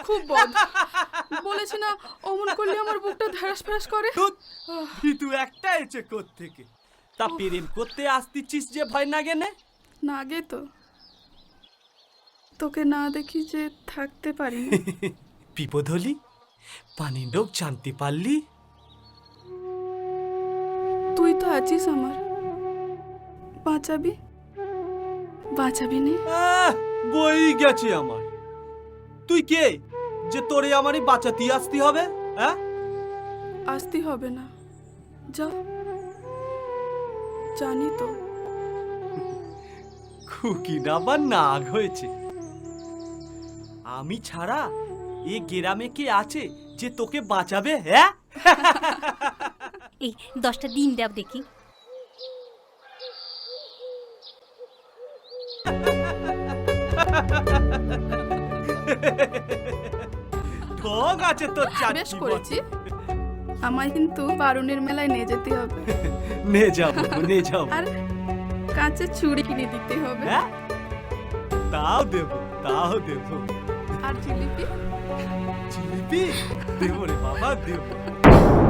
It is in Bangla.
খুব বদ। বলেছি না অমন করলে আমার বুকটা ধ্যারাস ফ্যারাস করে। তুই একটা এসে কোত্থেকে? তা প্রেম করতে আসতিছিস যে ভয় না গেনে? না গে তো, তোকে না দেখি যে থাকতে পারি না। বিপদ হলি পানির লোক জানতে পারলি? তুই তো আছিস আমার, বাঁচাবি বাঁচাবি নে। বই গেছে আমার। তুই কে যে তোরে আমারই বাঁচাতে আসতে হবে? হ্যাঁ, আসতে হবে না, যা। জানি তো খুকি না বা নাগ হয়েছে। আমি ছাড়া এ গ্রামে কে আছে যে তোকে বাঁচাবে? হ্যাঁ, এই 10টা দিন দাও দেখি। ঢং আছে তোর বেশ চারটি। করেছি। আমায় কিন্তু বারুণের মেলায় নিয়ে যেতে হবে, নে যাবো নে যাবো। আর কাঁচের চুড়ি কিনে দিতে হবে, হ্যাঁ, তাও দেবো তাও দেবো। আর জিলিপি। জিলিপি দেবো রে বাবা, দেবো।